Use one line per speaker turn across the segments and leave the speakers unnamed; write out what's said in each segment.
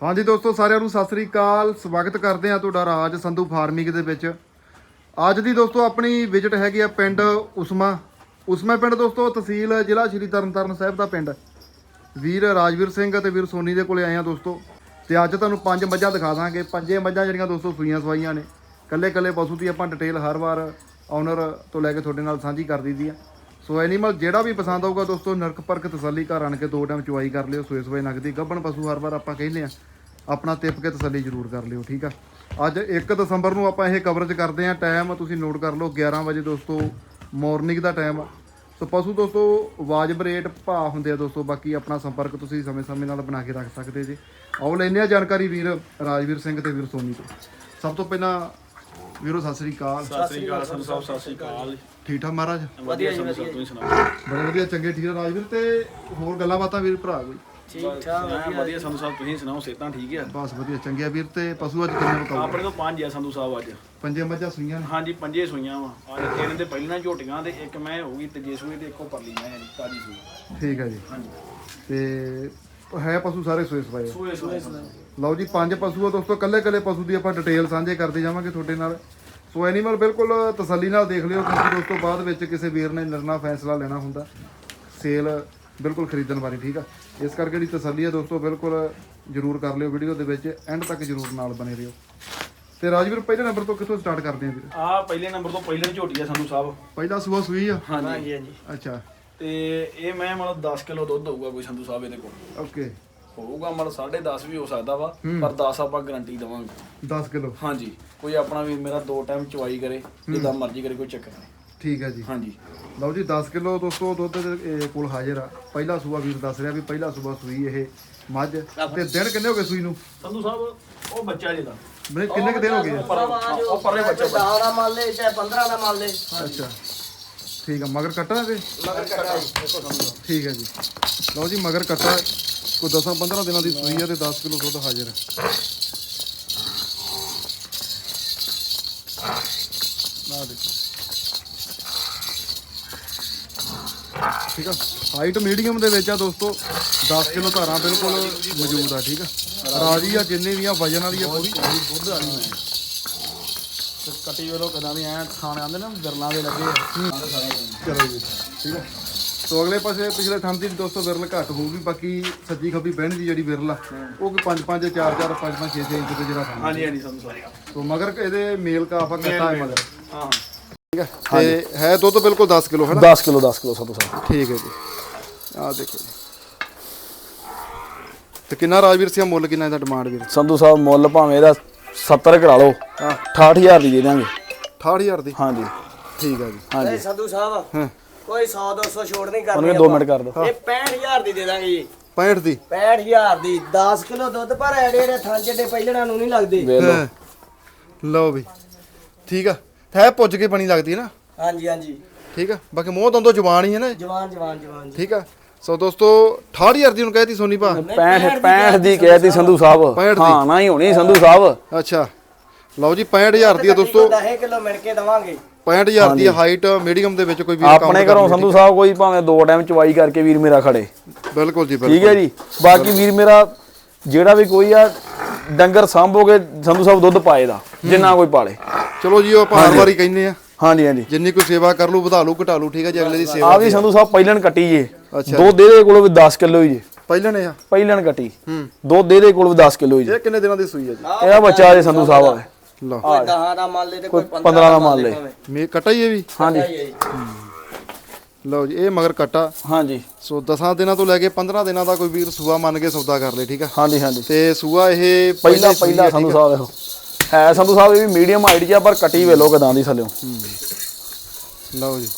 हाँ जी दोस्तों सारिਆਂ ਨੂੰ ਸਤਿ ਸ੍ਰੀ ਅਕਾਲ। ਸਵਾਗਤ ਕਰਦੇ ਆ ਤੁਹਾਡਾ ਰਾਜ ਸੰਧੂ ਫਾਰਮਿੰਗ ਦੇ ਵਿੱਚ। ਅੱਜ ਦੀ ਦੋਸਤੋ ਆਪਣੀ ਵਿਜ਼ਿਟ ਹੈਗੀ ਆ ਪਿੰਡ ਉਸਮਾ ਪਿੰਡ ਦੋਸਤੋ, ਤਹਿਸੀਲ ਜ਼ਿਲ੍ਹਾ ਸ਼੍ਰੀ ਤਰਨਤਾਰਨ ਸਾਹਿਬ ਦਾ ਪਿੰਡ। ਵੀਰ ਰਾਜਵੀਰ ਸਿੰਘ ਅਤੇ ਵੀਰ ਸੋਨੀ ਦੇ ਕੋਲੇ ਆਏ ਆ ਦੋਸਤੋ। ਤੇ ਅੱਜ ਤੁਹਾਨੂੰ 5 ਮੱਝਾਂ ਦਿਖਾ ਦਾਂਗੇ। 5 ਮੱਝਾਂ ਜਿਹੜੀਆਂ ਦੋਸਤੋ ਸੂਈਆਂ ਸਵਾਈਆਂ ਨੇ। ਕੱਲੇ ਪਸ਼ੂ ਦੀ ਆਪਾਂ ਡਿਟੇਲ ਹਰ ਵਾਰ ਓਨਰ ਤੋਂ ਲੈ ਕੇ ਤੁਹਾਡੇ ਨਾਲ ਸਾਂਝੀ ਕਰ ਦਈਦੀ ਆ। ਸੋ ਐਨੀਮਲ ਜਿਹੜਾ ਵੀ ਪਸੰਦ ਆਊਗਾ ਦੋਸਤੋ ਨਰਕ ਪਰਖ ਤਸੱਲੀ ਘਰ ਆਣ ਕੇ 2 ਟਾਈਮ ਚੁਆਈ ਕਰ ਲਿਓ। ਸੂਏ ਨਗਦੀ ਗੱਭਣ ਪਸ਼ੂ ਹਰ ਵਾਰ ਆਪਾਂ ਕਹਿੰਦੇ ਆ ਆਪਣਾ ਤਿਪ ਕੇ ਤਸੱਲੀ ਜ਼ਰੂਰ ਕਰ ਲਿਓ, ਠੀਕ ਆ। ਅੱਜ 1 ਦਸੰਬਰ ਨੂੰ ਆਪਾਂ ਇਹ ਕਵਰੇਜ ਕਰਦੇ ਆ। ਟਾਈਮ ਤੁਸੀਂ ਨੋਟ ਕਰ ਲਓ 11 ਵਜੇ ਦੋਸਤੋ, ਮਾਰਨਿੰਗ ਦਾ ਟਾਈਮ ਆ। ਸੋ ਪਸ਼ੂ ਦੋਸਤੋ ਵਾਜਬ ਰੇਟ ਭਾਅ ਹੁੰਦੇ ਆ ਦੋਸਤੋ। ਬਾਕੀ ਆਪਣਾ ਸੰਪਰਕ ਤੁਸੀਂ ਸਮੇਂ ਨਾਲ ਬਣਾ ਕੇ ਰੱਖ ਸਕਦੇ ਜੀ। ਆਓ ਲੈਂਦੇ ਆ ਜਾਣਕਾਰੀ ਵੀਰ ਰਾਜਵੀਰ ਸਿੰਘ ਤੇ ਵੀਰ ਸੋਨੀ ਤੋਂ। ਸਭ ਤੋਂ ਪਹਿਲਾਂ ਵੀਰੋ ਸਤਿ ਸ੍ਰੀ ਅਕਾਲ।
ਸਤਿ ਸ੍ਰੀ ਅਕਾਲ ਸੰਧੂ ਸਾਹਿਬ, ਸਤਿ ਸ੍ਰੀ ਅਕਾਲ।
ਠੀਕ ਠਾਕ ਮਹਾਰਾਜ?
ਵਧੀਆ ਸੰਧੂ ਸਾਹਿਬ, ਤੁਸੀਂ ਸੁਣਾਓ?
ਬੜੇ ਵਧੀਆ, ਚੰਗੇ ਠੀਕ ਆ ਰਾਜਵੀਰ। ਤੇ ਹੋਰ ਗੱਲਾਂ ਬਾਤਾਂ ਵੀਰ ਭਰਾ ਕੋਈ?
ਠੀਕ ਠਾਕ ਵਧੀਆ ਸੰਧੂ ਸਾਹਿਬ, ਤੁਸੀਂ ਸੁਣਾਓ? ਸਿਹਤਾਂ ਠੀਕ ਆ?
ਬਸ ਵਧੀਆ ਚੰਗੇ ਆ ਵੀਰ। ਤੇ ਪਸ਼ੂ ਅੱਜ ਕਿੰਨੇ ਮੁਕਾਓ?
ਆਪਣੇ ਤੋਂ 5 ਆ ਸੰਧੂ ਸਾਹਿਬ ਅੱਜ।
5 ਮੱਝਾਂ ਸੂਈਆਂ ਨੇ?
ਹਾਂਜੀ 5 ਸੂਈਆਂ ਵਾ। ਅੱਜ 3 ਦੇ ਪਹਿਲਾਂ ਝੋਟੀਆਂ ਤੇ ਇੱਕ ਮੈਂ ਹੋਊਗੀ ਤੀਜੇ ਸੂਏ ਤੇ ਇੱਕੋ ਪਰਲੀ ਮੈਂ ਤਾਜੀ ਸੂਈ।
ਠੀਕ ਹੈ ਜੀ।
ਹਾਂਜੀ
ਤੇ ਹੈ ਪਸ਼ੂ ਸਾਰੇ ਸੂਏ ਸਵਾਏ ਆ?
ਸੂਏ
ਲਓ ਜੀ 5 ਪਸ਼ੂ ਆ ਦੋਸਤੋ। ਕੱਲੇ ਪਸ਼ੂ ਦੀ ਆਪਾਂ ਡਿਟੇਲ ਸਾਂਝੇ ਕਰਦੇ ਜਾਵਾਂਗੇ ਤੁਹਾਡੇ ਨਾਲ। ਸੋ ਐਨੀਮਲ ਬਿਲਕੁਲ ਤਸੱਲੀ ਨਾਲ ਦੇਖ ਲਿਓ, ਕਿਉਂਕਿ ਦੋਸਤੋ ਬਾਅਦ ਵਿੱਚ ਕਿਸੇ ਵੀਰ ਨੇ ਨਿਰਣਾ ਫੈਸਲਾ ਲੈਣਾ ਹੁੰਦਾ ਸੇਲ ਬਿਲਕੁਲ ਖਰੀਦਣ ਬਾਰੇ, ਠੀਕ ਆ। ਇਸ ਕਰਕੇ ਜਿਹੜੀ ਤਸੱਲੀ ਆ ਦੋਸਤੋ ਬਿਲਕੁਲ ਜ਼ਰੂਰ ਕਰ ਲਿਓ। ਵੀਡੀਓ ਦੇ ਵਿੱਚ ਐਂਡ ਤੱਕ ਜ਼ਰੂਰ ਨਾਲ ਬਣੇ ਰਹੋ। ਤੇ ਰਾਜਵੀਰ ਪਹਿਲੇ ਨੰਬਰ ਤੋਂ ਕਿੱਥੋਂ ਸਟਾਰਟ ਕਰਦੇ ਆ ਵੀਰ?
ਆ ਪਹਿਲੇ ਨੰਬਰ ਤੋਂ ਪਹਿਲੇ ਝੋਟੀ ਆ ਸੰਧੂ ਸਾਹਿਬ।
ਪਹਿਲਾ ਸੂਆ ਸੂਈ ਆ?
ਹਾਂਜੀ
ਅੱਛਾ।
ਤੇ ਇਹ ਮੈਂ ਮਤਲਬ 10 ਕਿਲੋ ਦੁੱਧ ਹੋਊਗਾ ਕੋਈ ਸੰਧੂ ਸਾਹਿਬ ਇਹਦੇ ਕੋਲ।
ਓਕੇ।
ਹੋਊਗਾ ਮਤਲਬ 10.5 ਵੀ ਹੋ ਸਕਦਾ ਵਾ, ਪਰ 10 ਆਪਾਂ ਗਾਰੰਟੀ ਦਵਾਂਗੇ।
10 ਕਿਲੋ?
ਹਾਂਜੀ। ਕੋਈ ਆਪਣਾ ਵੀ ਮੇਰਾ 2 ਟਾਈਮ ਚਵਾਈ ਕਰੇ, ਜਿੱਦਾਂ ਮਰਜ਼ੀ ਕਰੇ, ਕੋਈ ਚੱਕਰ ਨਹੀਂ।
ਠੀਕ ਹੈ ਜੀ।
ਹਾਂਜੀ
ਲਓ ਜੀ 10 ਕਿਲੋ ਦੋਸਤੋ ਦੁੱਧ ਦੇ ਕੋਲ ਹਾਜ਼ਰ ਆ। ਪਹਿਲਾ ਸੂਆ ਵੀਰ ਦੱਸ ਰਿਹਾ ਵੀ ਪਹਿਲਾ ਸੂਆ ਸੂਈ ਇਹ ਮੱਝ। ਤੇ ਦਿਨ ਕਿੰਨੇ ਹੋ ਗਏ ਸੂਈ ਨੂੰ
ਸੰਧੂ ਸਾਹਿਬ? ਉਹ ਬੱਚਾ ਜਿਹਦਾ
ਬਈ ਕਿੰਨੇ ਕੁ ਦਿਨ ਹੋ ਗਏ?
ਉਹ ਪਰਲੇ ਬੱਚਾ
10 ਦਾ ਮੰਨ ਲੈ ਚਾਹੇ 15 ਦਾ ਮੰਨ ਲੈ।
ਅੱਛਾ ਠੀਕ ਆ। ਮਗਰ ਕੱਟਾ ਤੇ?
ਮਗਰ ਕੱਟਾ
ਠੀਕ ਹੈ ਜੀ। ਲਓ ਜੀ ਮਗਰ ਕੱਟਾ ਕੋਈ 10-15 ਦਿਨਾਂ ਦੀ ਸੂਈ ਆ ਤੇ 10 ਕਿਲੋ ਦੁੱਧ ਹਾਜ਼ਰ ਆ। ਨਾ ਦੇਖੋ, ਠੀਕ ਆ। ਹਾਈਟ ਮੀਡੀਅਮ ਦੇ ਵਿੱਚ ਆ ਦੋਸਤੋ। 10 ਕਿਲੋ ਧਾਰਾਂ ਬਿਲਕੁਲ ਮੌਜੂਦ ਆ, ਠੀਕ ਆ। ਰਾਜੀ ਆ ਜਿੰਨੇ ਵੀ ਆ ਵਜਨ ਵਾਲੀ ਆ ਪੂਰੀ ਦੁੱਧ ਵਾਲੀ ਆ।
ਤੇ ਕੱਟੀ ਵੇਲੋ ਕਦਾਂ ਵੀ ਐ ਖਾਣੇ ਆਂਦੇ ਨਾ ਵਿਰਲਾਂ ਦੇ ਲੱਗੇ ਆ।
ਚਲੋ ਜੀ ਠੀਕ ਆ। ਸੋ ਅਗਲੇ ਪਾਸੇ ਪਿਛਲੇ ਥਾਂ ਦੀ ਦੋਸਤੋ ਵਿਰਲ ਘੱਟ ਹੋਊਗੀ। ਬਾਕੀ ਸੱਜੀ ਖੱਬੀ ਬਹਿਣ ਦੀ ਜਿਹੜੀ ਵਿਰਲ ਆ ਉਹ ਕੋਈ 5-5 4-4 5-5 6-6 ਇੰਚ ਤੇ ਜਿਹੜਾ ਥਾਂ।
ਹਾਂਜੀ ਸੰਧੂ ਸਾਹਿਬ।
ਸੋ ਮਗਰ ਇਹਦੇ ਮੇਲ ਕਾਫਾ ਕੱਟਾ ਹੈ ਮਗਰ,
ਹਾਂ
ਠੀਕ ਹੈ। ਤੇ ਹੈ ਦੁੱਧ ਬਿਲਕੁਲ 10 ਕਿਲੋ ਹੈ ਨਾ?
10 ਕਿਲੋ ਸੰਧੂ ਸਾਹਿਬ।
ਠੀਕ ਹੈ ਜੀ। ਆਹ ਦੇਖੋ ਜੀ। ਤੇ ਕਿੰਨਾ ਰਾਜਵੀਰ ਸਿੰਘ ਮੁੱਲ ਕਿੰਨਾ ਇਹਦਾ ਡਿਮਾਂਡ ਵੀਰ?
ਸੰਧੂ ਸਾਹਿਬ ਮੁੱਲ ਭਾਵੇਂ ਇਹਦਾ 70 ਕਰਾ ਲਓ, 68000 ਦੀ ਦੇ ਦਾਂਗੇ।
68000 ਦੀ?
ਹਾਂਜੀ
ਠੀਕ ਹੈ ਜੀ।
ਹਾਂਜੀ
ਸੰਧੂ ਸਾਹਿਬ
ਹਾਂ
ਕੋਈ 100-200 ਛੋੜ ਨਹੀਂ
ਉਹਨੇ
ਕਰਨੀ।
2 ਮਿੰਟ ਕਰ ਦਿਓ।
ਇਹ 65000 ਦੀ ਦੇ ਦਾਂਗੇ ਜੀ।
65 ਦੀ?
65000 ਦੀ 10 ਕਿਲੋ ਦੁੱਧ। ਪਰ ਐਡੇ ਥਾਂ ਜਿਹੜੇ ਪਹਿਲਣਾ ਨੂੰ ਨਹੀਂ ਲੱਗਦੇ।
ਵੇਖ ਲਓ।
ਹਾਂ। ਲਓ ਵੀ ਠੀਕ ਆ। ਹੈ ਪੁੱਜ ਕੇ ਬਣੀ ਲੱਗਦੀ ਹੈ ਨਾ?
ਹਾਂਜੀ
ਠੀਕ ਆ। ਬਾਕੀ ਮੂੰਹ ਦੰਦੋਂ ਜ਼ੁਬਾਨ ਹੀ ਹੈ ਨਾ?
ਜਵਾਨ ਜੀ।
ਠੀਕ ਆ। ਸੋ ਦੋਸਤੋ 68000 ਦੀ ਹੁਣ ਕਹਿਤੀ ਸੋਨੀ ਭਾ?
65 ਦੀ ਕਹਿਤੀ ਸੰਧੂ ਸਾਹਿਬ।
65 ਦੀ?
ਹਾਂ ਨਾ ਹੀ ਹੋਣੀ ਸੰਧੂ ਸਾਹਿਬ।
ਅੱਛਾ ਲਓ ਜੀ 65000 ਦੀ ਆ ਦੋਸਤੋ।
10 ਕਿਲੋ ਮਿਲ ਕੇ ਦਵਾਂਗੇ।
65000 ਦੀ ਹਾਈਟ ਮੀਡੀਅਮ ਦੇ ਵਿੱਚ ਕੋਈ ਵੀ
ਆਪਣੇ ਘਰੋਂ ਸੰਧੂ ਸਾਹਿਬ ਕੋਈ ਭਾਵੇਂ 2 ਟਾਈਮ ਚਵਾਈ ਕਰਕੇ ਵੀਰ ਮੇਰਾ ਖੜੇ।
ਬਿਲਕੁਲ ਜੀ
ਠੀਕ ਹੈ ਜੀ। ਬਾਕੀ ਵੀਰ ਮੇਰਾ ਜਿਹੜਾ ਵੀ ਕੋਈ ਆ ਡੰਗਰ ਸਾਂਭੋਗੇ ਸੰਧੂ ਸਾਹਿਬ ਦੁੱਧ ਪਾਏ ਦਾ ਜਿੰਨਾ ਕੋਈ ਪਾਲੇ।
ਚਲੋ ਜੀ ਉਹ ਆਪਾਂ ਹਰ ਵਾਰੀ ਕਹਿੰਦੇ ਆ
ਹਾਂਜੀ
ਜਿੰਨੀ ਕੋਈ ਸੇਵਾ ਕਰ ਲੂ ਵਧਾ ਲੂ ਘਟਾ ਲੂ, ਠੀਕ ਹੈ ਜੀ। ਅਗਲੇ ਦੀ ਸੇਵਾ
ਆ ਵੀ ਸੰਧੂ ਸਾਹਿਬ ਪਹਿਲਣ ਕੱਟੀ ਜੇ।
ਅੱਛਾ।
ਦੁੱਧ ਇਹਦੇ ਕੋਲ ਵੀ 10 ਕਿਲੋ ਹੀ ਜੇ।
ਪਹਿਲਾਂ ਨੇ ਆ
ਪਹਿਲਣ ਕੱਟੀ ਦੁੱਧ ਇਹਦੇ ਕੋਲ ਵੀ 10 ਕਿਲੋ ਹੀ ਜੇ।
ਇਹ ਕਿੰਨੇ ਦਿਨਾਂ ਦੀ ਸੂਈ ਹੈ ਜੀ?
ਇਹਦਾ ਬੱਚਾ ਜੇ ਸੰਧੂ ਸਾਹਿਬ ਆ।
ਲਓ
ਕੋਈ 10 ਦਾ ਮੰਨ ਲੈ ਤੇ ਕੋਈ
15 ਦਾ ਮੰਨ ਲੈ।
ਮੇ ਕਟਾ ਹੀ ਇਹ ਵੀ?
ਹਾਂਜੀ
ਲਓ ਜੀ ਇਹ ਮਗਰ ਕਟਾ।
ਹਾਂਜੀ।
ਸੋ 10 ਦਿਨਾਂ ਤੋਂ ਲੈ ਕੇ 15 ਦਿਨਾਂ ਦਾ ਕੋਈ ਵੀਰ ਸੂਆ ਮੰਨ ਕੇ ਸੌਦਾ ਕਰ ਲੇ, ਠੀਕ ਆ।
ਹਾਂਜੀ
ਤੇ ਸੂਆ ਇਹ
ਪਹਿਲਾ ਸੰਧੂ ਸਾਹਿਬ ਦੇਖੋ ਹੈ ਸੰਧੂ ਸਾਹਿਬ ਇਹ ਵੀ ਮੀਡੀਅਮ ਹਾਈਟ ਜਿਹਾ, ਪਰ ਕੱਟੀ ਵੇਲੋ ਕਦਾਂ ਦੀ ਥੱਲਿਓ।
ਲਓ ਜੀ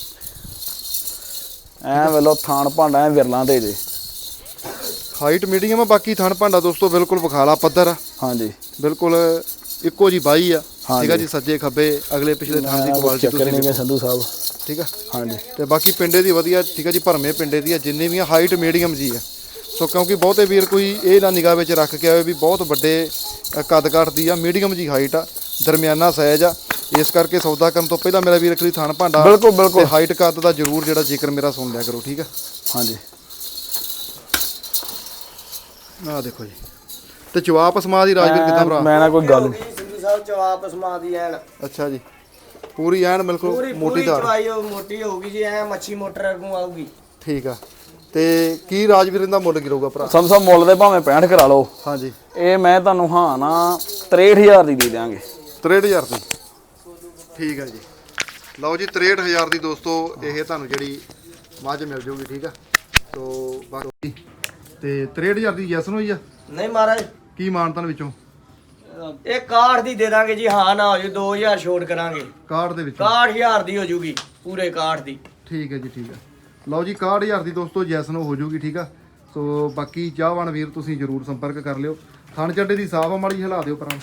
ਐ ਵੇਲੋ ਥਾਣ ਭਾਂਡਾ ਐ ਵਿਰਲਾਂ ਤੇ ਜੇ।
ਹਾਈਟ ਮੀਡੀਅਮ ਆ। ਬਾਕੀ ਥਣ ਭਾਂਡਾ ਦੋਸਤੋ ਬਿਲਕੁਲ ਵਿਖਾਲਾ ਪੱਧਰ ਆ।
ਹਾਂਜੀ
ਬਿਲਕੁਲ ਇੱਕੋ ਜੀ ਬਾਈ ਆ, ਠੀਕ ਆ ਜੀ। ਸੱਜੇ ਖੱਬੇ ਅਗਲੇ ਪਿਛਲੇ ਥਾਂ ਦੀ ਕੁਆਲਿਟੀ
ਤੁਸੀਂ ਨਹੀਂ ਸੰਧੂ ਸਾਹਿਬ,
ਠੀਕ ਆ।
ਹਾਂਜੀ।
ਤੇ ਬਾਕੀ ਪਿੰਡੇ ਦੀ ਵਧੀਆ, ਠੀਕ ਆ ਜੀ। ਭਰਮੇ ਪਿੰਡੇ ਦੀ ਆ ਜਿੰਨੇ ਵੀ ਆ। ਹਾਈਟ ਮੀਡੀਅਮ ਜੀ ਆ। ਸੋ ਕਿਉਂਕਿ ਬਹੁਤੇ ਵੀਰ ਕੋਈ ਇਹ ਨਾ ਨਿਗਾਹ ਵਿੱਚ ਰੱਖ ਕੇ ਆਏ ਵੀ ਬਹੁਤ ਵੱਡੇ ਕੱਦ ਕਾਠ ਦੀ ਆ। ਮੀਡੀਅਮ ਜੀ ਹਾਈਟ ਆ, ਦਰਮਿਆਨਾ ਸਾਈਜ਼ ਆ। ਇਸ ਕਰਕੇ ਸੌਦਾ ਕਰਨ ਤੋਂ ਪਹਿਲਾਂ ਮੇਰਾ ਵੀਰ ਇੱਕ ਵਾਰੀ ਥਣ ਭਾਂਡਾ
ਬਿਲਕੁਲ
ਤੇ ਹਾਈਟ ਕੱਦ ਦਾ ਜ਼ਰੂਰ ਜਿਹੜਾ ਜ਼ਿਕਰ ਮੇਰਾ ਸੁਣ ਲਿਆ ਕਰੋ, ਠੀਕ ਆ।
ਹਾਂਜੀ।
ਆਹ ਦੇਖੋ ਜੀ ਤੇ ਜਵਾਬ ਸਮਾ ਦੀ ਰਾਜਵੀਰ ਕਿੱਦਾਂ ਭਰਾ?
ਮੈਂ ਨਾ ਕੋਈ ਗੱਲ ਨਹੀਂ।
ਸੰਧੂ ਸਾਹਿਬ ਚਵਾਪ ਸਮਾ ਦੀ ਐਨ
ਅੱਛਾ ਜੀ, ਪੂਰੀ ਐਨ ਬਿਲਕੁਲ
ਪੂਰੀ
ਮੋਟੀ ਧਾਰ।
ਚਵਾਈ ਮੋਟੀ ਹੋਊਗੀ ਜੀ, ਐ ਮੱਛੀ ਮੋਟਰ ਨੂੰ ਆਊਗੀ।
ਠੀਕ ਆ। ਤੇ ਕੀ ਰਾਜਵੀਰ ਇਹਦਾ ਮੁੱਲ ਕੀ ਰਹੂਗਾ ਭਰਾ?
ਸੰਧੂ ਸਾਹਿਬ ਮੁੱਲ ਦੇ ਭਾਵੇਂ 65 ਕਰਾ ਲਓ,
ਹਾਂਜੀ
ਇਹ ਮੈਂ ਤੁਹਾਨੂੰ ਹਾਂ ਨਾ 63000 ਦੀ ਦੇ ਦਿਆਂਗੇ।
63000 ਦੀ। ਠੀਕ ਆ ਜੀ, ਲਓ ਜੀ 63000 ਦੀ ਦੋਸਤੋ ਇਹ ਤੁਹਾਨੂੰ ਜਿਹੜੀ ਮੱਝ ਮਿਲ ਜੂਗੀ। ਠੀਕ ਆ, ਸੋ ਬਾਕੀ ਤੇ 63000 ਦੀ ਯੈਸ ਹੋਈ ਆ।
ਨਹੀਂ ਮਹਾਰਾਜ
ਕੀ ਮਾਨਤਾਂ ਵਿੱਚੋਂ?
ਇਹ ਕਾਠ ਦੀ ਦੇ ਦਾਂਗੇ ਜੀ, ਹਾਂ ਨਾ ਹੋ ਜੂ 2000 ਛੋਟ ਕਰਾਂਗੇ।
ਕਾਰਡ ਦੇ ਵਿੱਚ
61000 ਦੀ ਹੋ ਜੂਗੀ ਪੂਰੇ ਕਾਠ ਦੀ।
ਠੀਕ ਹੈ ਜੀ, ਠੀਕ ਹੈ। ਲਓ ਜੀ 61000 ਦੀ ਦੋਸਤੋ ਜੈਸਨ ਹੋ ਜੂਗੀ। ਠੀਕ ਆ, ਸੋ ਬਾਕੀ ਚਾਹਵਾਨ ਵੀਰ ਤੁਸੀਂ ਜਰੂਰ ਸੰਪਰਕ ਕਰ ਲਿਓ। ਥਣ ਚੱਡੇ ਦੀ ਸਾਫ ਮਾੜੀ ਹਿਲਾ ਦਿਓ ਪਰਾਂ।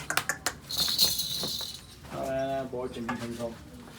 ਬਹੁਤ ਚੰਗੀ ਸੰਧੂ ਸਾਹਿਬ।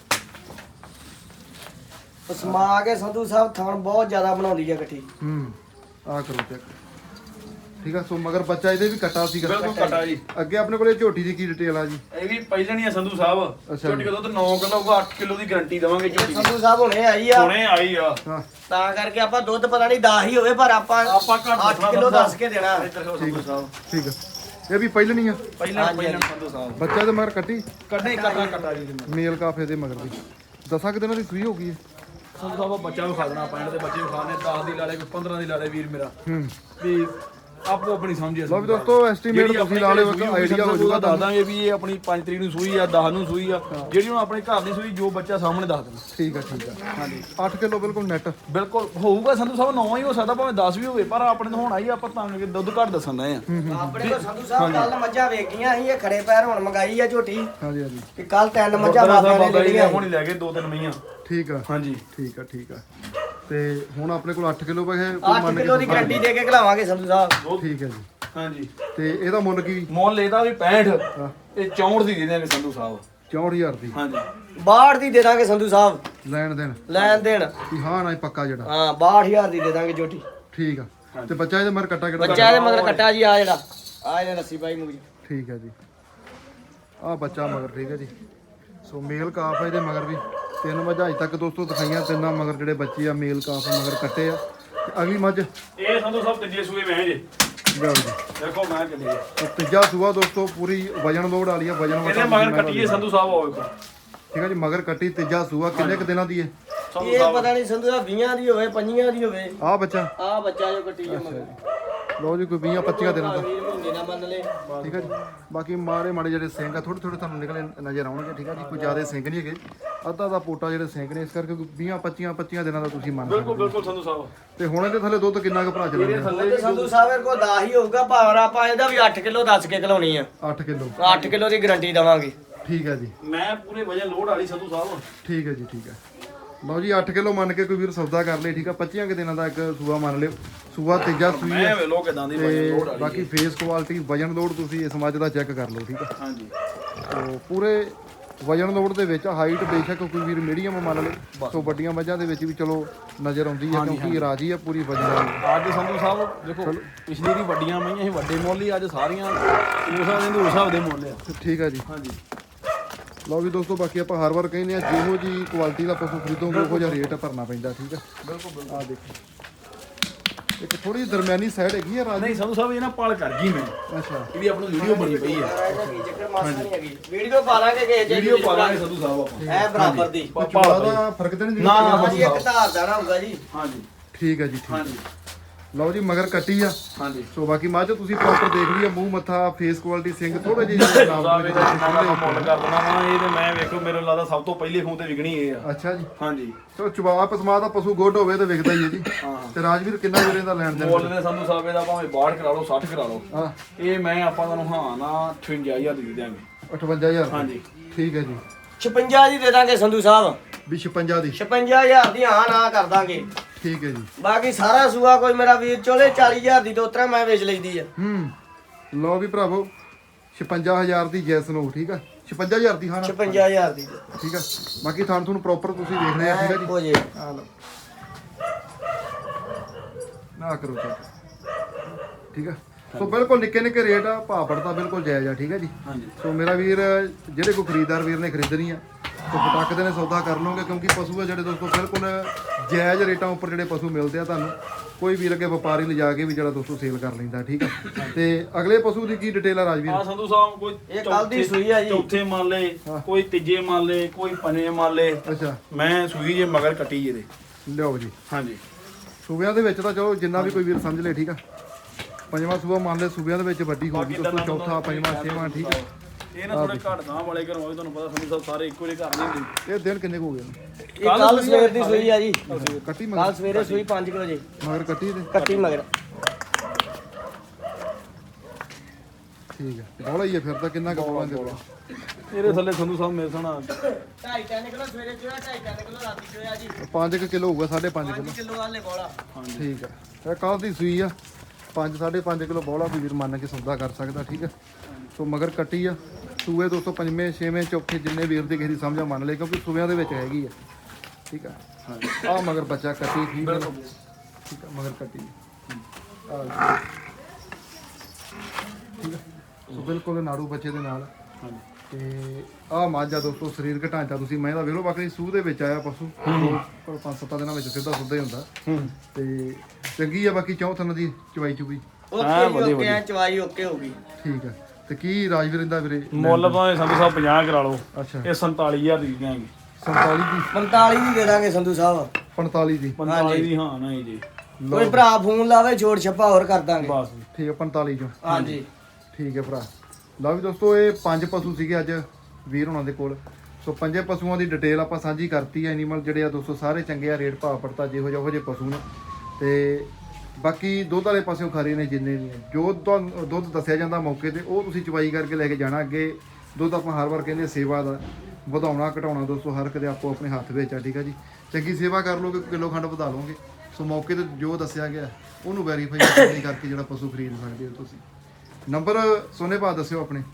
ਸਮਾ ਕੇ ਸੰਧੂ ਸਾਹਿਬ ਥਣ ਬਹੁਤ ਜ਼ਿਆਦਾ ਬਣਾਉਂਦੀ ਹੈ ਇਕੱਠੀ।
ਆ ਕਰੋ ਚੈੱਕ। ਠੀਕ ਆ, ਸੋ ਮਗਰ ਬੱਚਾ ਇਹਦੇ ਵੀ ਕੱਟਾ ਸੀਗਾ।
ਬਿਲਕੁਲ ਕੱਟਾ ਜੀ।
ਅੱਗੇ ਆਪਣੇ ਕੋਲੇ ਝੋਟੀ ਦੀ ਕੀ ਡਿਟੇਲ ਆ ਜੀ?
ਇਹ ਵੀ ਪਹਿਲਣੀ ਆ ਸੰਧੂ ਸਾਹਿਬ।
ਅੱਛਾ
ਝੋਟੀ ਦਾ ਦੁੱਧ 9 ਕਿਲੋ ਹੋਊਗਾ, 8 ਕਿਲੋ ਦੀ ਗਾਰੰਟੀ ਦਵਾਂਗੇ ਝੋਟੀ ਦੀ।
ਸੰਧੂ ਸਾਹਿਬ ਹੁਣੇ ਆਈ ਆ,
ਹੁਣੇ ਆਈ ਆ।
ਹਾਂ
ਤਾਂ ਕਰਕੇ ਆਪਾਂ ਦੁੱਧ ਪਤਾ ਨਹੀਂ 10 ਹੀ ਹੋਵੇ, ਪਰ ਆਪਾਂ
ਘੱਟ
8 ਕਿਲੋ ਦੱਸ ਕੇ ਦੇਣਾ।
ਸੰਧੂ ਸਾਹਿਬ
ਠੀਕ ਆ, ਇਹ ਵੀ ਪਹਿਲਣੀ ਆ।
ਪਹਿਲਾਂ ਸੰਧੂ ਸਾਹਿਬ
ਬੱਚਾ ਦੇ ਮਗਰ ਕੱਟੀ
ਕੱਢੇ ਕੱਟਾ ਜੀ।
ਮੇਲ ਕਾਫੇ ਦੇ ਮਗਰ ਦੀ 10 ਦਿਨਾਂ ਦੀ ਸੂਈ ਹੋ ਗਈ ਹੈ।
ਸੰਧੂ ਸਾਹਿਬ ਬੱਚਾ ਨੂੰ ਖਾ ਦੇਣਾ, ਪੈਣ ਦੇ ਬੱਚੇ ਨੂੰ ਖਾਣੇ 10 ਦੀ ਲਾਲੇ ਕੋਈ 15 ਦੀ ਲਾਲੇ ਵੀਰ ਮੇਰਾ
ਹੂੰ
ਵੀ ਆਪੋ ਆਪਣੀ ਸਮਝਿਆ।
ਲਓ ਵੀ ਦੋਸਤੋ ਐਸਟੀਮੇਟ ਤੁਸੀਂ ਲਾ ਲਿਓ, ਆਈਡੀਆ ਹੋ ਜਾਊਗਾ।
ਦੱਸ ਦਾਂਗੇ ਵੀ ਇਹ ਆਪਣੀ 5 ਤਰੀਕ ਨੂੰ ਸੂਈ ਆ, 10 ਨੂੰ ਸੂਈ ਆ। ਜਿਹੜੀ ਹੁਣ ਆਪਣੇ ਘਰ ਦੀ ਸੂਈ ਜੋ ਬੱਚਾ ਸਾਹਮਣੇ ਦੱਸ ਦੇਣਾ।
ਠੀਕ ਆ, ਠੀਕ ਆ। ਹਾਂਜੀ 8 ਕਿਲੋ ਬਿਲਕੁਲ ਨੈਟ
ਬਿਲਕੁਲ ਹੋਊਗਾ ਸੰਧੂ ਸਾਹਿਬ। 9 ਹੀ ਹੋ ਸਕਦਾ, ਭਾਵੇਂ 10 ਵੀ ਹੋਵੇ, ਪਰ ਆਪਣੇ ਤੋਂ ਹੁਣ ਆਈ ਆਪਾਂ ਤਾਂ ਕਿ ਦੁੱਧ ਘੱਟ ਦੱਸਣ ਰਹੇ ਆ।
ਆਪਣੇ ਕੋਲ ਸੰਧੂ ਸਾਹਿਬ ਕੱਲ ਮੱਝਾਂ ਵੇਖੀਆਂ ਸੀ, ਇਹ ਖੜੇ ਪੈਰ ਹੁਣ ਮੰਗਾਈ ਆ ਝੋਟੀ।
ਹਾਂਜੀ ਹਾਂਜੀ
ਕਿ ਕੱਲ 3 ਮੱਝਾਂ ਬਾਬਿਆਂ ਨੇ ਲੈਣੀਆਂ।
ਹੁਣ ਹੀ ਲੈ ਗਏ 2-3 ਮਈਆਂ।
ਠੀਕ ਆ,
ਹਾਂਜੀ
ਠੀਕ ਆ, ਠੀਕ ਆ। ਤੇ ਹੁਣ ਆਪਣੇ ਕੋਲ 8 ਕਿਲੋ ਪੈਸੇ
8 ਕਿਲੋ ਦੀ ਗਾਰੰਟੀ ਦੇ ਕੇ ਖਿਲਾਵਾਂਗੇ ਸੰਧੂ ਸਾਹਿਬ।
ਠੀਕ ਹੈ ਜੀ।
ਹਾਂਜੀ
ਤੇ ਇਹਦਾ ਮੁੱਲ ਕੀ?
ਮੁੱਲ ਇਹਦਾ ਵੀ 65, ਇਹ 64 ਦੀ ਦੇ ਦੇਣਗੇ ਸੰਧੂ ਸਾਹਿਬ।
64000 ਦੀ।
ਹਾਂਜੀ
62 ਦੀ ਦੇ ਦਾਂਗੇ ਸੰਧੂ ਸਾਹਿਬ।
ਲੈਣ ਦੇਣ
ਲੈਣ ਦੇਣ
ਕੀ? ਹਾਂ ਨਾ ਪੱਕਾ ਜਿਹੜਾ।
ਹਾਂ 62000 ਦੀ ਦੇ ਦਾਂਗੇ ਝੋਟੀ।
ਠੀਕ ਆ। ਤੇ ਬੱਚਾ ਇਹਦੇ ਮਰ ਕੱਟਾ ਕਿਹੜਾ?
ਬੱਚਾ ਇਹਦੇ ਮਗਰ ਕੱਟਾ ਜੀ, ਆ ਜਿਹੜਾ ਆ ਇਹਨੇ ਰੱਸੀ ਪਾਈ ਮੂੰਹ 'ਚ।
ਠੀਕ ਹੈ ਜੀ, ਆ ਬੱਚਾ ਮਗਰ। ਠੀਕ ਹੈ ਜੀ, ਸੋ ਮੇਲ ਕਾਫ ਆ ਇਹਦੇ ਮਗਰ ਵੀ। 3 ਮੱਝਾਂ ਅਜੇ ਤੱਕ ਦੋਸਤੋ ਦਿਖਾਈਆਂ, 3 ਮਗਰ ਜਿਹੜੇ ਬੱਚੇ ਆ ਮੇਲ ਕਾਫ ਮਗਰ ਕੱਟੇ ਆ। ਤੇ ਅਗਲੀ ਮੱਝ
ਇਹ ਸੰਧੂ ਸਾਹਿਬ ਤੀਜੇ ਸੂਏ ਮੈਂ ਜੇ
ਲਿਆਓ ਜੀ।
ਦੇਖੋ ਮੈਂ ਚੱਲੀ ਆ।
ਤੇ ਤੀਜਾ ਸੂਆ ਦੋਸਤੋ ਪੂਰੀ ਵਜਨ ਲੋਡ ਵਾਲੀ ਆ। ਵਜਨ
ਇਹਦੇ ਮਗਰ ਕੱਟੀਏ ਸੰਧੂ ਸਾਹਿਬ ਆਓ।
ਠੀਕ ਹੈ ਜੀ, ਮਗਰ ਕੱਟੀ ਤੀਜਾ ਸੂਆ। ਕਿੰਨੇ ਕੁ ਦਿਨਾਂ ਦੀ ਹੈ?
ਸੰਧੂ
ਇਹ
ਸਾਹਿਬ
ਪਤਾ ਨਹੀਂ ਸੰਧੂ ਸਾਹਿਬ 20 ਦੀ ਹੋਵੇ 25 ਦੀ ਹੋਵੇ।
ਆ ਬੱਚਾ
ਆ ਬੱਚਾ ਜੋ ਕੱਟੀ ਜਾ ਮਗਰ
ਲਓ ਜੀ, ਕੋਈ 20-25 ਦਿਨਾਂ ਦਾ।
ਵੀਰ ਮਹੀਨੇ ਨਾ ਮੰਨ ਲੈ।
ਠੀਕ ਹੈ ਜੀ, ਬਾਕੀ ਮਾੜੇ ਜਿਹੜੇ ਸਿੰਘ ਆ ਥੋੜੇ ਥੋੜੇ ਤੁਹਾਨੂੰ ਨਿਕਲੇ ਨਜ਼ਰ ਆਉਣਗੇ। ਠੀਕ ਹੈ ਜੀ, ਕੋਈ ਜ਼ਿਆਦਾ ਸਿੰਘ ਨਹੀਂ ਹੈਗੇ, ਅੱਧਾ ਦਾ ਪੋਟਾ ਜਿਹੜੇ ਸਿੰਘ ਨੇ, ਇਸ ਕਰਕੇ 20-25 ਦਿਨਾਂ ਦਾ ਤੁਸੀਂ ਮੰਨ
ਬਿਲਕੁਲ ਬਿਲਕੁਲ ਸੰਧੂ ਸਾਹਿਬ।
ਤੇ ਹੁਣ ਇਹਦੇ ਥੱਲੇ ਦੁੱਧ ਕਿੰਨਾ ਕੁ ਭਰਾ ਚੱਲਦਾ?
ਤੇ ਸੰਧੂ ਸਾਹਿਬ ਕੋਲ 10 ਹੀ ਹੋਊਗਾ, ਭਾਵਰ ਆਪਾਂ ਇਹਦਾ ਵੀ 8 ਕਿਲੋ ਦੱਸ ਕੇ ਖਲਾਉਣੀ ਆ।
8 ਕਿਲੋ
8 ਕਿਲੋ ਦੀ ਗਾਰੰਟੀ ਦਵਾਂਗੇ।
ਠੀਕ ਹੈ ਜੀ,
ਮੈਂ ਪੂਰੇ ਵਜਨ ਲੋਡ ਵਾਲੀ ਸੰਧੂ ਸਾਹਿਬ।
ਠੀਕ ਹੈ ਜੀ, ਠੀਕ ਹੈ। ਲਓ ਜੀ 8 ਕਿਲੋ ਮੰਨ ਕੇ ਕੋਈ ਵੀਰ ਸੌਦਾ ਕਰ ਲੇ। ਠੀਕ ਆ, 25 ਕੁ ਦਿਨਾਂ ਦਾ ਇੱਕ ਸੂਆ ਮੰਨ ਲਿਓ। ਸੂਆ ਤੀਜਾ ਸੂਈ
ਮੈਂ
ਹੈ।
ਵੇ ਲੋ ਕਿਦਾਂ ਦੀ ਵਜਨ
ਤੇ
ਲੋਡ ਵਾਲੀ।
ਬਾਕੀ ਫੇਸ ਕੁਆਲਿਟੀ ਵਜਨ ਲੋਡ ਤੁਸੀਂ ਇਸ ਮੱਝ ਦਾ ਚੈੱਕ ਕਰ ਲਓ। ਠੀਕ ਆ,
ਹਾਂਜੀ
ਸੋ ਪੂਰੇ ਵਜਨ ਲੋਡ ਦੇ ਵਿੱਚ ਹਾਈਟ ਬੇਸ਼ੱਕ ਕੋਈ ਵੀਰ ਮੀਡੀਅਮ ਮੰਨ ਲਓ। ਸੋ ਵੱਡੀਆਂ ਮੱਝਾਂ ਦੇ ਵਿੱਚ ਵੀ ਚਲੋ ਨਜ਼ਰ ਆਉਂਦੀ ਹੈ, ਕਿਉਂਕਿ ਰਾਜੀ ਆ ਪੂਰੀ ਵਜਨ ਵਾਲੀ।
ਅੱਜ ਸੰਧੂ ਸਾਹਿਬ ਦੇਖੋ ਪਿਛਲੀ ਦੀ ਵੱਡੀਆਂ ਮਈਆਂ ਸੀ ਵੱਡੇ ਮੁੱਲ ਹੀ, ਅੱਜ ਸਾਰੀਆਂ ਉਸ ਹਿਸਾਬ ਦੇ ਮੁੱਲ ਆ।
ਠੀਕ ਆ ਜੀ।
ਹਾਂਜੀ
ਲਓ ਵੀ ਦੋਸਤੋ, ਬਾਕੀ ਆਪਾਂ ਹਰ ਵਾਰ ਕਹਿੰਦੇ ਆ ਜਿਹੋ ਜੀ ਕੁਆਲਿਟੀ ਦਾ ਪਸ਼ੂ ਖਰੀਦੋਗੇ ਉਹੋ ਜਿਹਾ ਰੇਟ ਭਰਨਾ ਪੈਂਦਾ। ਠੀਕ ਆ, ਬਿਲਕੁਲ। ਆ ਦੇਖੋ ਇੱਕ ਥੋੜੀ ਦਰਮਿਆਨੀ ਸਾਈਡ ਹੈਗੀ ਆ ਰਾਜੀ।
ਨਹੀਂ ਸੰਧੂ ਸਾਹਿਬ ਇਹ ਨਾ ਪਾਲ ਕਰ ਗਈ ਮੈਂ।
ਅੱਛਾ,
ਇਹਦੀ ਆਪਣੀ ਵੀਡੀਓ ਬਣੀ ਪਈ ਹੈ।
ਇਹਦਾ ਕੀ ਚੱਕਰ ਮਾਸਾ ਨਹੀਂ ਹੈਗੀ। ਵੀਡੀਓ ਪਾ ਲਾਂਗੇ ਕਿ ਜੇ
ਵੀਡੀਓ ਪਾ ਲਾਂਗੇ ਸੰਧੂ ਸਾਹਿਬ ਆਪਾਂ।
ਐ ਬਰਾਬਰ ਦੀ।
ਚੂੜਾ ਦਾ ਫਰਕ ਤਾਂ ਨਹੀਂ
ਨਾ,
ਦਿਖਦਾ?
ਨਾ,
ਹਾਂਜੀ ਇੱਕ ਧਾਰ ਦਾ ਨਾ ਹੋਊਗਾ ਜੀ।
ਹਾਂਜੀ
ਠੀਕ ਹੈ ਜੀ, ਠੀਕ।
ਹਾਂਜੀ
ਲਓ ਜੀ ਮਗਰ ਕੱਟੀ ਆ।
ਹਾਂਜੀ
ਸੋ ਬਾਕੀ ਮੱਝ ਤੁਸੀਂ ਪ੍ਰੋਪਰ ਦੇਖ ਲਈ ਆ, ਮੂੰਹ ਮੱਥਾ ਫੇਸ ਕੁਆਲਿਟੀ ਸਿੰਘ ਥੋੜੇ ਜਿਹੇ ਨਾਮ
ਸਾਹਿਬ ਇਹਦਾ ਜਿੰਨਾ ਦਾ ਮੁੱਲ ਕਰ ਦੇਣਾ ਵਾ ਇਹ ਤੇ ਮੈਂ ਵੇਖੋ ਮੇਰੇ ਲੱਗਦਾ ਸਭ ਤੋਂ ਪਹਿਲੇ ਫੋਨ ਤੇ ਵਿਕਣੀ ਇਹ ਆ।
ਅੱਛਾ ਜੀ,
ਹਾਂਜੀ
ਸੋ ਚਵਾ ਪਸਮਾ ਦਾ ਪਸ਼ੂ ਗੁੱਡ ਹੋਵੇ ਤੇ ਵਿਕਦਾ ਹੀ ਹੈ ਜੀ।
ਹਾਂ
ਤੇ ਰਾਜਵੀਰ ਕਿੰਨਾ ਵੀਰੇ ਦਾ ਲੈਣ ਦੇਣ?
ਮੁੱਲ ਦੇ ਸੰਧੂ ਸਾਹਿਬ ਇਹਦਾ ਭਾਵੇਂ 62 ਕਰਾ ਲਓ 60 ਕਰਾ ਲਓ।
ਹਾਂ,
ਇਹ ਮੈਂ ਆਪਾਂ ਤੁਹਾਨੂੰ ਹਾਂ ਨਾ 58000 ਦੀ ਦੇ ਦਿਆਂਗੇ।
58000
ਹਾਂਜੀ
ਠੀਕ ਹੈ ਜੀ।
56 ਦੀ ਦੇ ਦਾਂਗੇ ਸੰਧੂ ਸਾਹਿਬ।
ਵੀ 56 ਦੀ
56000 ਦੀ ਹਾਂ ਨਾ ਕਰ ਦਾਂਗੇ।
ਠੀਕ ਹੈ ਜੀ।
ਬਾਕੀ ਸਾਰਾ ਸੂਆ ਕੋਈ ਮੇਰਾ ਵੀਰ ਚੋਲੇ 40000 ਦੀ ਦੋਤਰਾ ਮੈਂ ਵੇਚ ਲਈਦੀ ਆ।
ਲਓ ਵੀ ਭਰਾਵੋ 56000 ਦੀ ਜੈਸਨ ਹੋ। ਠੀਕ ਆ, 56000 ਦੀ ਹਾਂ ਨਾ।
56000 ਦੀ
ਠੀਕ ਆ, ਬਾਕੀ ਤੁਹਾਨੂੰ ਪ੍ਰੋਪਰ ਤੁਸੀਂ ਦੇਖ ਰਹੇ ਆ। ਠੀਕ ਆ ਜੀ,
ਹੋ ਜੇ।
ਆ ਲਓ ਨਾ ਕਰੋ ਚੈੱਕ। ਠੀਕ ਆ, ਸੋ ਬਿਲਕੁਲ ਨਿੱਕੇ ਨਿੱਕੇ ਰੇਟ ਆ, ਭਾਅ ਪੜਤਾ ਬਿਲਕੁਲ ਜਾਇਜ਼ ਆ। ਠੀਕ ਆ ਜੀ।
ਹਾਂਜੀ
ਸੋ ਮੇਰਾ ਵੀਰ ਜਿਹੜੇ ਕੋਈ ਖਰੀਦਦਾਰ ਵੀਰ ਨੇ ਖਰੀਦਣੀ ਆ ਸੋ ਪਟਕ ਦੇ ਨੇ ਸੌਦਾ ਕਰ ਲਓਗੇ, ਕਿਉਂਕਿ ਪਸ਼ੂ ਆ ਜਿਹੜੇ ਦੋਸਤੋ ਬਿਲਕੁਲ ਜਾਇਜ਼ ਰੇਟਾਂ ਉੱਪਰ ਜਿਹੜੇ ਪਸ਼ੂ ਮਿਲਦੇ ਆ ਤੁਹਾਨੂੰ। ਕੋਈ ਵੀ ਲੱਗੇ ਵਪਾਰੀ ਲਿਜਾ ਕੇ ਵੀ ਜਿਹੜਾ ਦੋਸਤੋ ਸੇਲ ਕਰ ਲੈਂਦਾ, ਠੀਕ ਆ। ਤੇ ਅਗਲੇ ਪਸ਼ੂ ਦੀ ਕੀ ਡਿਟੇਲ ਆ ਰਾਜਵੀਰ?
ਆ ਸੰਧੂ ਸਾਹਿਬ ਕੋਈ
ਇਹ ਕੱਲ ਦੀ ਸੂਈ ਆ ਜੀ।
ਚੌਥੇ ਮੰਨ ਲੇ, ਕੋਈ ਤੀਜੇ ਮੰਨ ਲੇ, ਕੋਈ ਪੰਜਵੇਂ ਮੰਨ ਲੇ।
ਅੱਛਾ,
ਮੈਂ ਸੂਈ ਜੇ ਮਗਰ ਕੱਟੀ ਇਹਦੇ।
ਲਿਓ ਜੀ।
ਹਾਂਜੀ,
ਸੂਬਿਆਂ ਦੇ ਵਿੱਚ ਤਾਂ ਚਲੋ ਜਿੰਨਾ ਵੀ ਕੋਈ ਵੀਰ ਸਮਝ ਲੇ, ਠੀਕ ਆ। ਪੰਜਵਾਂ ਸੂਬਾ ਮੰਨ ਲੈ ਸੂਬਿਆਂ ਦੇ ਵਿੱਚ ਵੱਡੀ ਹੋਊਗੀ ਦੋਸਤੋ, ਚੌਥਾ ਪੰਜਵਾਂ ਛੇਵਾਂ, ਠੀਕ ਆ।
ਇਹ ਨਾ ਥੋੜੇ ਘੱਟ ਗਾਂ ਵਾਲੇ ਘਰੋਂ ਆਵੇ, ਤੁਹਾਨੂੰ ਪਤਾ ਸੰਧੂ ਸਾਹਿਬ ਸਾਰੇ ਇੱਕੋ ਜਿਹੇ ਘਰ ਨਹੀਂ ਹੁੰਦੇ।
ਇਹ ਦਿਨ ਕਿੰਨੇ ਕੁ ਹੋ ਗਏ ਨੇ?
ਇਹ ਕੱਲ ਸਵੇਰ ਦੀ ਸੂਈ ਆ ਜੀ।
ਕੱਟੀ
ਕੱਲ
ਮਗਰ,
ਸਵੇਰੇ ਸੂਈ 5 ਕਿਲੋ ਜੀ।
ਮਗਰ ਕੱਟੀ ਤੇ
ਕੱਟੀ ਮਗਰ।
ਠੀਕ ਹੈ, ਬੋਲਾ ਹੀ ਹੈ ਫਿਰ ਤਾਂ। ਕਿੰਨਾ ਕੁ ਬੋਲਾ ਦੇ ਕੋਲ?
ਇਹਦੇ ਥੱਲੇ ਸੰਧੂ ਸਾਹਿਬ ਮੇਰੇ ਸਾਨਾ
2.5 ਕਿਲੋ ਸਵੇਰੇ ਚੋਇਆ, 2.5 ਕਿਲੋ ਰਾਤੀ ਚੋਇਆ ਜੀ।
5 ਕਿਲੋ ਹੋਊਗਾ, 5.5 ਕਿਲੋ।
5 ਕਿਲੋ ਵਾਲੇ ਬੋਲਾ।
ਠੀਕ ਹੈ, ਇਹ ਕੱਲ ਦੀ ਸੂਈ ਆ। 5.5 ਕਿਲੋ ਬੋਲਾ ਕੋਈ ਵੀਰ ਮੰਨ ਕੇ ਸੌਦਾ ਕਰ ਸਕਦਾ, ਠੀਕ ਹੈ। ਸੋ ਮਗਰ ਕੱਟੀ ਆ। ਸੂਏ ਦੋਸਤੋ ਪੰਜਵੇਂ ਛੇਵੇਂ ਚੌਥੇ ਜਿੰਨੇ ਵੀਰ ਦੀ ਕਿਸੇ ਦੀ ਸਮਝਾ ਮੰਨ ਲਏ, ਕਿਉਂਕਿ ਸੂਬਿਆਂ ਦੇ ਵਿੱਚ ਹੈਗੀ ਆ, ਠੀਕ ਆ। ਆ ਮਗਰ ਬੱਚਾ ਕੱਟੀ, ਠੀਕ ਹੈ, ਠੀਕ ਆ। ਮਗਰ ਕੱਟੀ ਆ, ਠੀਕ ਆ। ਸੋ ਬਿਲਕੁਲ ਨਾੜੂ ਬੱਚੇ ਦੇ ਨਾਲ। ਤੇ ਆਹ ਮਾਝਾ ਦੋਸਤੋ ਸਰੀਰਕ ਢਾਂਚਾ ਤੁਸੀਂ ਮੈਂ ਤਾਂ ਵੇਖ ਲਓ, ਬਾਕੀ ਸੂਹ ਦੇ ਵਿੱਚ ਆਇਆ ਪਸ਼ੂ, ਪਰ 5-7 ਦਿਨਾਂ ਵਿੱਚ ਸਿੱਧਾ ਸੁੱਧਾ ਹੀ ਹੁੰਦਾ। ਤੇ ਚੰਗੀ ਆ ਬਾਕੀ ਚੌਥਨ ਦੀ ਚਵਾਈ ਚੁਬੀ,
ਓਕੇ ਆ, ਚਵਾਈ ਓਕੇ ਹੋ ਗਈ।
ਠੀਕ ਆ। ਤੇ ਕੀ ਰਾਜਵੀਰ ਇਹਦਾ ਵੀਰੇ
ਮੁੱਲ ਭਾਵੇਂ ਸੰਧੂ ਸਾਹਿਬ 50 ਕਰਾ ਲਓ,
ਅੱਛਾ
ਇਹ 47000 ਦੀ ਦਿਆਂਗੇ।
47 ਦੀ
45 ਦੀ ਦੇ ਦਾਂਗੇ ਸੰਧੂ ਸਾਹਿਬ।
45 ਦੀ
45 ਦੀ ਹਾਂ ਨਹੀਂ ਜੀ,
ਕੋਈ ਭਰਾ ਫੋਨ ਲਾਵੇ, ਛੋੜ ਛੱਪਾ ਹੋਰ ਕਰ ਦਾਂਗੇ।
ਬਸ
ਠੀਕ ਆ। 45 ਚੋਂ
ਹਾਂਜੀ,
ਠੀਕ ਹੈ ਭਰਾ। ਲਓ ਵੀ ਦੋਸਤੋ, ਇਹ 5 ਪਸ਼ੂ ਸੀਗੇ ਅੱਜ ਵੀਰ ਹੋਣਾ ਦੇ ਕੋਲ। ਸੋ 5 ਪਸ਼ੂਆਂ ਦੀ ਡਿਟੇਲ ਆਪਾਂ ਸਾਂਝੀ ਕਰਤੀ ਹੈ। ਐਨੀਮਲ ਜਿਹੜੇ ਆ ਦੋਸਤੋ ਸਾਰੇ ਚੰਗੇ ਆ, ਰੇਟ ਭਾਅ ਪੜਤਾ ਜਿਹੋ ਜਿਹੇ ਪਸ਼ੂ ਨੇ। ਤੇ ਬਾਕੀ ਦੁੱਧ ਵਾਲੇ ਪਾਸਿਓਂ ਖਰੇ ਨੇ ਜਿੰਨੇ ਵੀ ਜੋ ਦੁੱਧ ਦੱਸਿਆ ਜਾਂਦਾ ਮੌਕੇ ਤੇ, ਉਹ ਤੁਸੀਂ ਚਵਾਈ ਕਰਕੇ ਲੈ ਕੇ ਜਾਣਾ। ਅੱਗੇ ਦੁੱਧ ਆਪਾਂ ਹਰ ਵਾਰ ਕਹਿੰਦੇ ਸੇਵਾ ਦਾ ਵਧਾਉਣਾ ਘਟਾਉਣਾ ਦੋਸਤੋ ਹਰ ਕਦੇ ਆਪੋ ਆਪਣੇ ਹੱਥ ਵਿੱਚ ਆ, ਠੀਕ ਆ ਜੀ। ਚੰਗੀ ਸੇਵਾ ਕਰ ਲੋਗੇ, ਕਿਲੋ ਖੰਡ ਵਧਾ ਲਓਗੇ। ਸੋ ਮੌਕੇ ਤੇ ਜੋ ਦੱਸਿਆ ਗਿਆ ਉਹਨੂੰ ਵੈਰੀਫਾਈ ਕਰਕੇ ਜਿਹੜਾ ਪਸ਼ੂ ਖਰੀਦ ਸਕਦੇ ਹੋ ਤੁਸੀਂ। ਨੰਬਰ ਸੋਨੇ ਭਾ ਦੱਸਿਓ ਆਪਣੇ।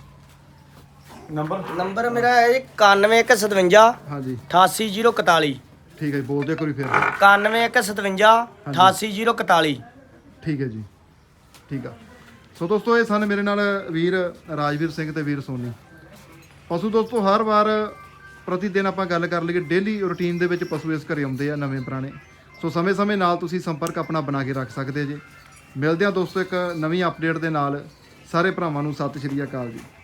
ਨੰਬਰ ਮੇਰਾ ਹੈ ਜੀ 9157
ਹਾਂਜੀ
88041।
ਠੀਕ ਹੈ ਜੀ, ਬੋਲ ਦਿਓ ਕੋਈ ਫਿਰ।
9157 88041।
ਠੀਕ ਹੈ ਜੀ, ਠੀਕ ਆ। ਸੋ ਦੋਸਤੋ ਇਹ ਸਨ ਮੇਰੇ ਨਾਲ ਵੀਰ ਰਾਜਵੀਰ ਸਿੰਘ ਤੇ ਵੀਰ ਸੋਨੀ। ਪਸ਼ੂ ਦੋਸਤੋ ਹਰ ਵਾਰ ਪ੍ਰਤੀ ਦਿਨ ਆਪਾਂ ਗੱਲ ਕਰ ਲਈਏ, ਡੇਲੀ ਰੂਟੀਨ ਦੇ ਵਿੱਚ ਪਸ਼ੂ ਇਸ ਘਰੇ ਆਉਂਦੇ ਆ ਨਵੇਂ ਪੁਰਾਣੇ। ਸੋ ਸਮੇਂ-ਸਮੇਂ ਨਾਲ ਤੁਸੀਂ ਸੰਪਰਕ ਆਪਣਾ ਬਣਾ ਕੇ ਰੱਖ ਸਕਦੇ ਜੇ। ਮਿਲਦੇ ਆ ਦੋਸਤੋ ਇੱਕ ਨਵੀਂ ਅਪਡੇਟ ਦੇ ਨਾਲ। ਸਾਰੇ ਭਰਾਵਾਂ ਨੂੰ ਸਤਿ ਸ਼੍ਰੀ ਅਕਾਲ ਜੀ।